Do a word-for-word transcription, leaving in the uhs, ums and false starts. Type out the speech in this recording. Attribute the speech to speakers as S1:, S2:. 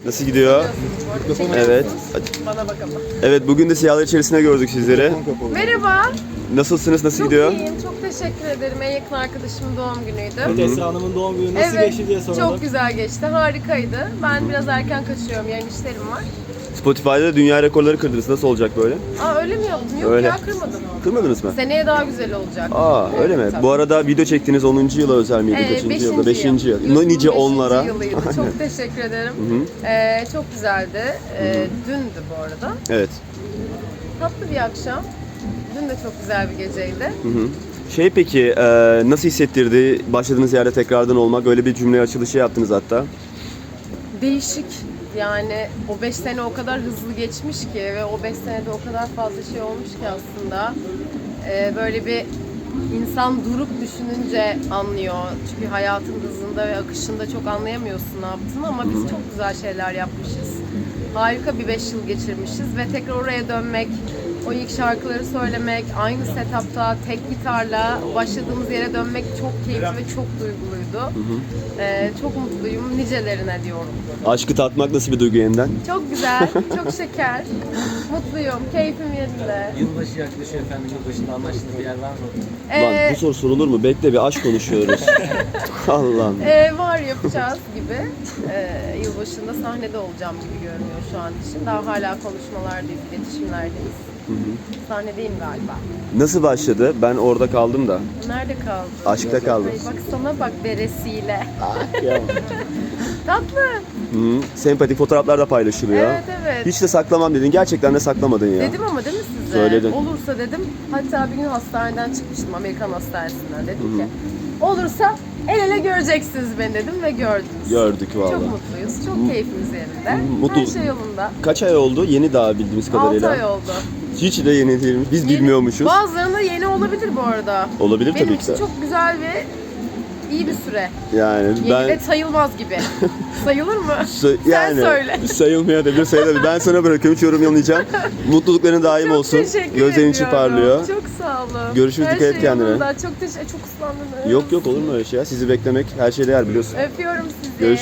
S1: Nasıl gidiyor? Evet.
S2: Bana bak ama.
S1: Evet, bugün de Siyahlar içerisinde gördük sizleri.
S2: Merhaba.
S1: Nasılsınız? Nasıl
S2: Çok
S1: gidiyor?
S2: iyiyim. Çok teşekkür ederim. En yakın arkadaşımın doğum günüydü.
S3: Esra Hanım'ın doğum günü nasıl
S2: Evet,
S3: geçti diye soralım.
S2: çok güzel geçti. Harikaydı. Ben biraz erken kaçıyorum. Yarın işlerim var.
S1: Spotify'da dünya rekorları kırdınız. Nasıl olacak böyle?
S2: Aa öyle mi yaptın? Yok
S1: Öyle.
S2: ya, kırmadım.
S1: Kırmadınız mı?
S2: Seneye daha güzel olacak.
S1: Aa, öyle mi?
S2: tabii.
S1: Bu arada video çektiğiniz onuncu yıla özel miydi?
S2: Ee,
S1: Kaçıncı
S2: beşinci
S1: yılda? Beşinci yıl.
S2: Yıl.
S1: Nice
S2: Beşinci
S1: onlara.
S2: yılıydı. Çok teşekkür ederim. Ee, çok güzeldi. Ee, dündü bu arada.
S1: Evet.
S2: Tatlı bir akşam. Dün de çok güzel bir geceydi.
S1: Hı hı. Şey peki, e, nasıl hissettirdi başladığınız yerde tekrardan olmak? Öyle bir cümle açılışı yaptınız hatta.
S2: Değişik. Yani o beş sene o kadar hızlı geçmiş ki ve o beş senede o kadar fazla şey olmuş ki aslında. Ee, böyle bir insan durup düşününce anlıyor. Çünkü hayatın hızında ve akışında çok anlayamıyorsun ne yaptığını, ama biz çok güzel şeyler yapmışız. Harika bir beş yıl geçirmişiz ve tekrar oraya dönmek, o ilk şarkıları söylemek, aynı setupta tek gitarla başladığımız yere dönmek çok keyifli ve çok duyguluydu. Ee, çok mutluyum. Nicelerine diyorum.
S1: Aşkı tatmak nasıl bir duygu yeniden?
S2: Çok güzel, çok şeker. Mutluyum, keyfim yerinde.
S3: Yılbaşı yaklaşıyor efendim. Yılbaşında anlaştığınız bir yer var mı?
S2: Ee,
S1: Lan bu soru sorulur mu? Bekle, bir aşk konuşuyoruz. Allah'ım.
S2: e, var yapacağız gibi. Ee, yılbaşında sahnede olacağım gibi görünüyor şu an için. Daha hala konuşmalardayız, iletişimlerdeyiz. Sahnedeyim galiba.
S1: Nasıl başladı? Ben orada kaldım da.
S2: Nerede kaldın?
S1: Aşkta kaldım.
S2: Ay, bak sana bak beresiyle.
S1: Ya.
S2: Tatlı.
S1: Hı, sempatik fotoğraflar da paylaşılıyor.
S2: Evet evet.
S1: Hiç de saklamam dedin. Gerçekten de saklamadın ya.
S2: Dedim ama değil mi size?
S1: Söyledin.
S2: Olursa dedim. Hatta bir gün hastaneden çıkmıştım, Amerikan hastanesinden. Dedim ki olursa el ele göreceksiniz beni dedim ve gördünüz.
S1: Gördük vallahi.
S2: Çok mutluyuz. Çok keyfimiz yerinde.
S1: Mutlu-
S2: Her şey yolunda.
S1: Kaç ay oldu? Yeni daha bildiğimiz
S2: altı
S1: kadarıyla.
S2: ay oldu.
S1: Hiç de yeni değilmiş. Biz
S2: Yeni-
S1: bilmiyormuşuz.
S2: Bazılarında yeni olabilir bu arada.
S1: Olabilir
S2: Benim
S1: tabii ki
S2: için
S1: de.
S2: çok güzel ve iyi bir süre.
S1: Yani
S2: Yeni
S1: ben
S2: de sayılmaz gibi. Sayılır mı?
S1: Sa-
S2: Sen
S1: yani
S2: söyle.
S1: sayılmayabilir, sayılabilir. Ben sana bırakıyorum, hiç yorum yamayacağım. Mutlulukların daim
S2: Çok
S1: olsun.
S2: teşekkür
S1: Gözlerin içi
S2: ediyorum.
S1: parlıyor.
S2: Çok sağ olun.
S1: Görüşürüz,
S2: Her
S1: dikkat et
S2: şey
S1: kendine.
S2: yolunda. Çok teşekkür Çok ıslandınız.
S1: Yok yok, olur mu öyle şey ya? Sizi beklemek her şey değer, biliyorsun.
S2: Öpüyorum sizi.
S1: Görüşürüz.